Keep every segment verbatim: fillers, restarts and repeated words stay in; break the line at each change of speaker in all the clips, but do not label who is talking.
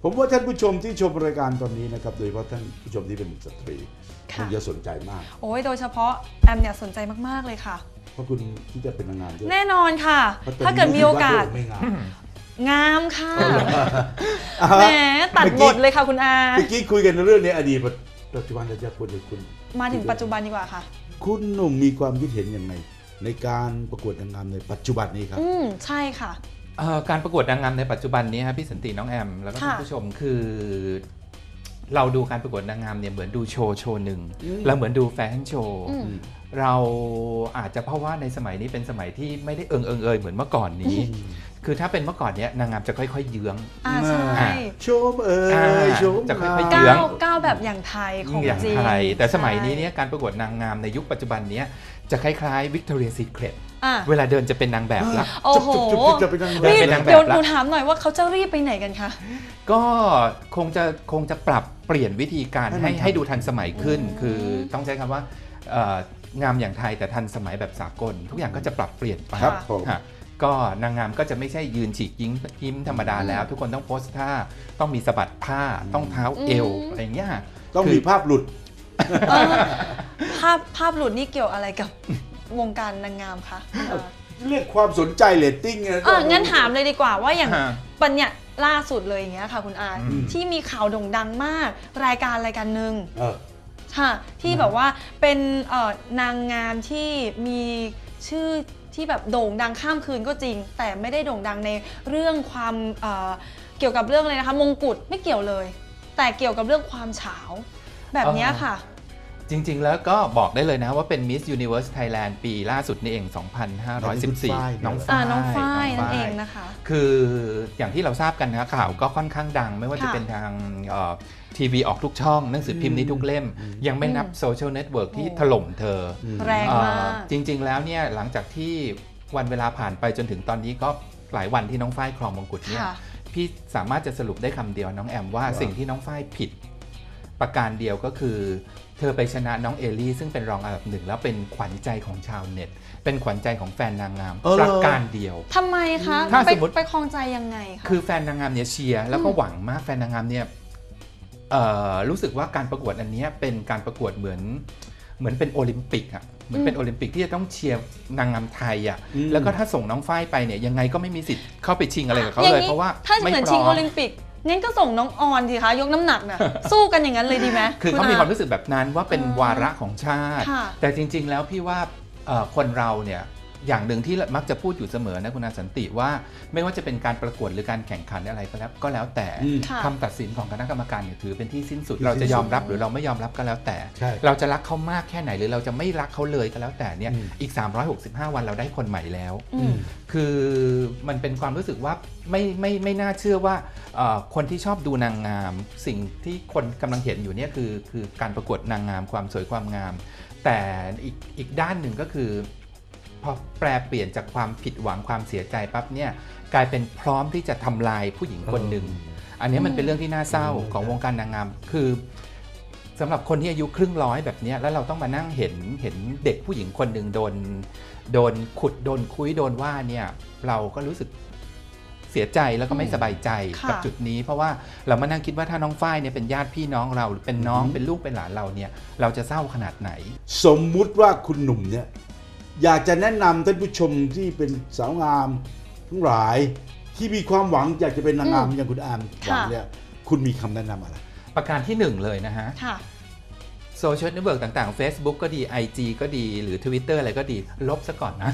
ผมว่าท่านผู้ชมที่ชมรายการตอนนี้นะครับโดยเฉพาะท่านผู้ชมที่เป็นสตรีคงจะสนใจมาก
โอ้ยโดยเฉพาะแอมเนี่ยสนใจมากๆเลยค่ะ
เพราะคุณที่จะเป็นนางงามด้วย
แน่นอนค่ะถ้าเกิดมีโอกาสงามค่ะแหมตัดบทเลยค่ะคุณอา
เมื่อกี้คุยกันเรื่องนี้อดีตปัจจุบันจะควรจะคุณ
มาถึงปัจจุบันดีกว่าค่ะ
คุณหนุ่มมีความคิดเห็นยังไงในการประกวดนางงามในปัจจุบันนี้ครับ
อืมใช่ค่ะ
การประกวดนางงามในปัจจุบันนี้ครับพี่สันติน้องแอมแล้วก็ท่านผู้ชมคือเราดูการประกวดนางงามเนี่ยเหมือนดูโชว์โชว์หนึ่งแล้วเหมือนดูแฟชั่นโชว์เราอาจจะเพราะว่าในสมัยนี้เป็นสมัยที่ไม่ได้เอิงเอิงเอยเหมือนเมื่อก่อนนี้คือถ้าเป็นเมื่อก่อนเนี้ยนางงามจะค่อยๆเยื้อง
อ่าใช่
โชว์เอ่ยโชว์
จะค่อยๆเยื้อง
ก้าวแบบอย่างไทยของจริง
แต่สมัยนี้เนี่ยการประกวดนางงามในยุคปัจจุบันนี้จะคล้ายๆ Victoria's Secret เวลาเดินจะเป็นนางแบบละ
โอ้โห
จะเป็นนางแบบ
เดี๋ยวหนูถามหน่อยว่าเขาจะรีบไปไหนกันคะ
ก็คงจะคงจะปรับเปลี่ยนวิธีการให้ให้ดูทันสมัยขึ้นคือต้องใช้คำว่างามอย่างไทยแต่ทันสมัยแบบสากลทุกอย่างก็จะปรับเปลี่ยนไปก็นางงามก็จะไม่ใช่ยืนฉีกยิ้มยิ้มธรรมดาแล้วทุกคนต้องโพสท่าต้องมีสะบัดผ้าต้องเท้าเอวอะไรเงี้ย
ต้องมีภาพหลุด
ภาพภาพหลุดนี่เกี่ยวอะไรกับวงการนางงามคะ
เรียกความสนใจเรตติ้งไง
เอองั้นถามเลยดีกว่าว่าอย่างปัญญาล่าสุดเลยอย่างเงี้ยค่ะคุณอาที่มีข่าวโด่งดังมากรายการรายการหนึ่งค่ะที่แบบว่าเป็นนางงามที่มีชื่อที่แบบโด่งดังข้ามคืนก็จริงแต่ไม่ได้โด่งดังในเรื่องความเเกี่ยวกับเรื่องอะไรนะคะมงกุฎไม่เกี่ยวเลยแต่เกี่ยวกับเรื่องความเฉาแบบนี้ค่ะ
จริงๆแล้วก็บอกได้เลยนะว่าเป็น Miss Universe Thailand ปีล่าสุดนี่เอง สองพันห้าร้อยสิบสี่ น้องฝ้าย
น้องฝ้ายนั่นเองนะคะ
คืออย่างที่เราทราบกันนะข่าวก็ค่อนข้างดังไม่ว่าจะเป็นทางทีวีออกทุกช่องหนังสือพิมพ์นี้ทุกเล่มยังไม่นับโซเชียลเน็ตเวิร์กที่ถล่มเธอ
แรงมาก
จริงๆแล้วเนี่ยหลังจากที่วันเวลาผ่านไปจนถึงตอนนี้ก็หลายวันที่น้องฝ้ายครองมงกุฎเนี่ยพี่สามารถจะสรุปได้คำเดียวน้องแอมว่าสิ่งที่น้องฝ้ายผิดประการเดียวก็คือเธอไปชนะน้องเอลี่ซึ่งเป็นรองอันดับหนึ่งแล้วเป็นขวัญใจของชาวเน็ตเป็นขวัญใจของแฟนนางงามประการเดียว
ทำไมคะถ้าสมมติไปคลองใจยังไงคะ
คือแฟนนางงามเนี่ยเชียร์แล้วก็หวังมากแฟนนางงามเนี่ยรู้สึกว่าการประกวดอันนี้เป็นการประกวดเหมือนเหมือนเป็นโอลิมปิกอะเหมือนเป็นโอลิมปิกที่จะต้องเชียร์นางงามไทยอ่ะแล้วก็ถ้าส่งน้องฝ้ายไปเนี่ยยังไงก็ไม่มีสิทธิ์เข้าไปชิงอะไรกับเขาเลยเพราะว่า
ถ้าเหมือนชิงโอลิมปิกงั้นก็ส่งน้องออนสิคะยกน้ำหนักน่ะสู้กันอย่างนั้นเลยดีไหม
คือเขามีความรู้สึกแบบนั้นว่าเป็นวาระของชาติแต่จริงๆแล้วพี่ว่าคนเราเนี่ยอย่างหนึ่งที่มักจะพูดอยู่เสมอนะคุณอาสันติว่าไม่ว่าจะเป็นการประกวดหรือการแข่งขันอะไรก็แล้วก็แล้วแต่คำตัดสินของคณะกรรมการเนี่ยถือเป็นที่สิ้นสุดเราจะยอมรับหรือเราไม่ยอมรับก็แล้วแต่เราจะรักเขามากแค่ไหนหรือเราจะไม่รักเขาเลยก็แล้วแต่เนี่ยอีกสามร้อยหกสิบห้าวันเราได้คนใหม่แล้วคือมันเป็นความรู้สึกว่าไม่ไม่ไม่น่าเชื่อว่าคนที่ชอบดูนางงามสิ่งที่คนกำลังเห็นอยู่เนี่ยคือคือการประกวดนางงามความสวยความงามแต่อีกอีกด้านหนึ่งก็คือพอแปลเปลี่ยนจากความผิดหวังความเสียใจปั๊บเนี่ยกลายเป็นพร้อมที่จะทำลายผู้หญิงคนหนึ่งอันนี้มันเป็นเรื่องที่น่าเศร้าของวงการนางงามคือสำหรับคนที่อายุครึ่งร้อยแบบนี้แล้วเราต้องมานั่งเห็นเห็นเด็กผู้หญิงคนหนึ่งโดนโดนขุดโดนคุยโดนว่าเนี่ยเราก็รู้สึกเสียใจแล้วก็ไม่สบายใจกับจุดนี้เพราะว่าเรามานั่งคิดว่าถ้าน้องฝ้ายเนี่ยเป็นญาติพี่น้องเราหรือเป็นน้องเป็นลูกเป็นหลานเราเนี่ยเราจะเศร้าขนาดไหน
สมมุติว่าคุณหนุ่มเนี่ยอยากจะแนะนำท่านผู้ชมที่เป็นสาวงามทั้งหลายที่มีความหวังอยากจะเป็นนางงามอย่างคุณอามหวังเนี่ยคุณมีคำแนะนำอะไร
ประการที่หนึ่งเลยนะฮะโซเชียลเน็ตเวิร์กต่างๆ Facebook ก็ดี ไอ จี ก็ดีหรือ Twitter อะไรก็ดีลบซะก่อนนะ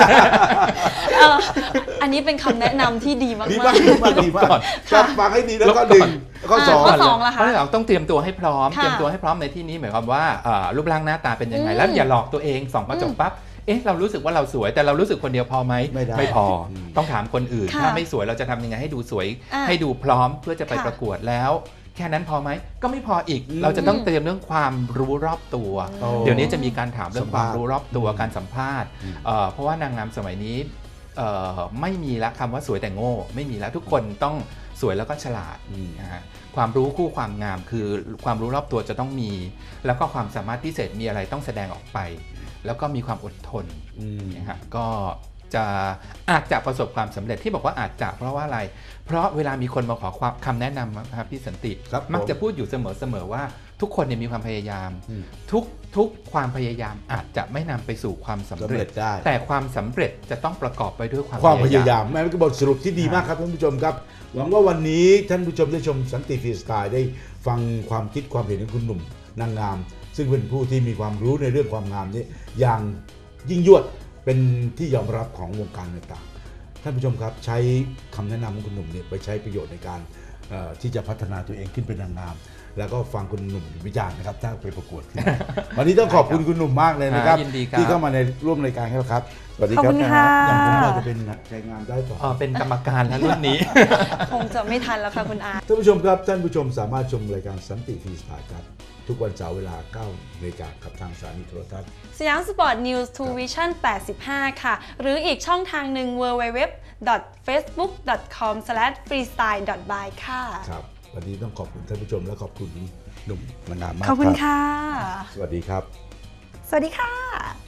อันนี้เป็นคำแนะนำที่ดีมากๆ
ดีมากดีมากดีมากจะฟังให้ดีแล้วก็ดึงข้อสอง
ข้อสองล่ะคะ
เราต้องเตรียมตัวให้พร้อมเตรียมตัวให้พร้อมในที่นี้หมายความว่ารูปร่างหน้าตาเป็นยังไงแล้วอย่าหลอกตัวเองส่องกระจกปั๊บเอ๊ะเรารู้สึกว่าเราสวยแต่เรารู้สึกคนเดียวพอไหม
ไม่
ไม่พอต้องถามคนอื่นถ้าไม่สวยเราจะทำยังไงให้ดูสวยให้ดูพร้อมเพื่อจะไปประกวดแล้วแค่นั้นพอไหมก็ไม่พออีกเราจะต้องเตรียมเรื่องความรู้รอบตัวเดี๋ยวนี้จะมีการถามเรื่องความรู้รอบตัวการสัมภาษณ์เพราะว่านางงามสมัยนี้ไม่มีละคำว่าสวยแต่โง่ไม่มีแล้วทุกคนต้องสวยแล้วก็ฉลาดนะฮะความรู้คู่ความงามคือความรู้รอบตัวจะต้องมีแล้วก็ความสามารถพิเศษมีอะไรต้องแสดงออกไปแล้วก็มีความอดทนนะฮะก็จจะอาจจะประสบความสำเร็จที่บอกว่าอาจจะเพราะว่าอะไรเพราะเวลามีคนมาขอความคำแนะนำนะครับพี่สันติมักจะพูดอยู่เสมอๆว่าทุกคนเนี่ยมีความพยายามทุกทุกความพยายามอาจจะไม่นำไปสู่ความสำเร็จได้แต่ความสำเร็จจะต้องประกอบไปด้วยความ
ความพยายามแม่เป็นบทสรุปที่ดีมากครับท่านผู้ชมครับหวังว่าวันนี้ท่านผู้ชมได้ชมสันติฟรีสไตล์ได้ฟังความคิดความเห็นของคุณหนุ่มนางงามซึ่งเป็นผู้ที่มีความรู้ในเรื่องความงามนี้อย่างยิ่งยวดเป็นที่ยอมรับของวงการต่างๆท่านผู้ชมครับใช้คำแนะนำของคุณหนุ่มเนี่ยไปใช้ประโยชน์ในการที่จะพัฒนาตัวเองขึ้นเป็นนางงามแล้วก็ฟังคุณหนุ่มวิจารณ์นะครับถ้าไปประกวดวันนี้ต้องขอบคุณคุณหนุ่มมากเลยนะครับที่เข้ามาในร่วมรายการครับสวัสดีครับอย่างผมว่าจะเป็นใช้งานได้ต่อ
เป็นกรรมการแล้วรุ่นนี้
คงจะไม่ทันแล้วค่ะคุณอา
ท่านผู้ชมครับท่านผู้ชมสามารถชมรายการสันติฟรีสไตล์ครับทุกวันเสาร์เวลาเก้านาฬิกากับทางสถานีโทรทัศน์
สยามสปอร์ตนิวส์ทูวิชั่นแปดสิบห้าค่ะหรืออีกช่องทางหนึ่ง ดับเบิลยู ดับเบิลยู ดับเบิลยู ดอท เฟซบุ๊ก ดอท คอม สแลช ฟรีสไตล์ ดอท บาย ค่ะ
ครับวันนี้ต้องขอบคุณท่านผู้ชมและขอบคุณหนุ่มนางงามมาก
ขอบคุณค่ะ
สวัสดีครับ
สวัสดีค่ะ